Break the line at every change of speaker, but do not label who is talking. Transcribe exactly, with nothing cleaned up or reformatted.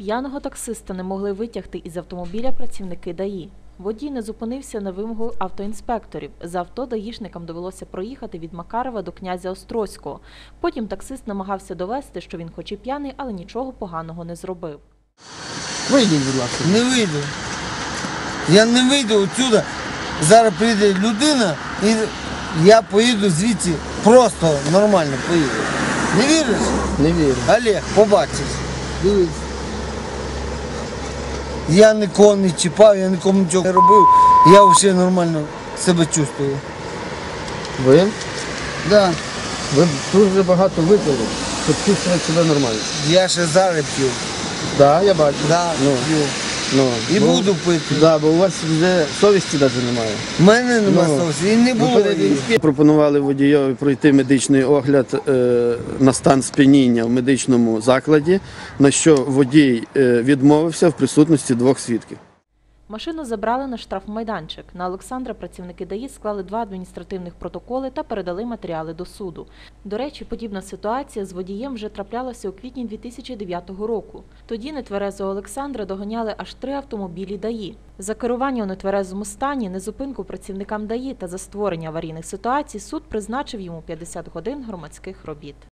П'яного таксиста не могли витягти із автомобіля працівники ДАІ. Водій не зупинився на вимогу автоінспекторів. За авто даїшникам довелося проїхати від Макарова до Князя Острозького. Потім таксист намагався довести, що він хоч і п'яний, але нічого поганого не зробив.
Вийдіть, будь ласка.
Не вийду. Я не вийду отсюда. Зараз прийде людина і я поїду звідси просто нормально поїду. Не віриш?
Не вірю.
Олег, побачиш.
Дивись.
Я нікого не чіпав, я нікому нічого не робив. Я взагалі нормально себе чувствую.
Ви?
Да.
Ви дуже багато випили, щоб чувствувати себе нормально.
Я ще зараз п'ю.
Так, я бачу.
Да,
Ну,
п'ю.
ну,
І
бо-
буду пити.
Да, бо у вас вже совісті навіть немає.
У мене нема
Ну,
совісті, і не
Ви
було
перед
її.
інспектором пропонували водійові пройти медичний огляд е, на стан сп'яніння в медичному закладі, на що водій е, відмовився в присутності двох свідків.
Машину забрали на штрафмайданчик. На Олександра працівники ДАІ склали два адміністративних протоколи та передали матеріали до суду. До речі, подібна ситуація з водієм вже траплялася у квітні дві тисячі дев'ятого року. Тоді нетверезого Олександра доганяли аж три автомобілі ДАІ. За керування у нетверезому стані, незупинку працівникам ДАІ та за створення аварійних ситуацій суд призначив йому п'ятдесят годин громадських робіт.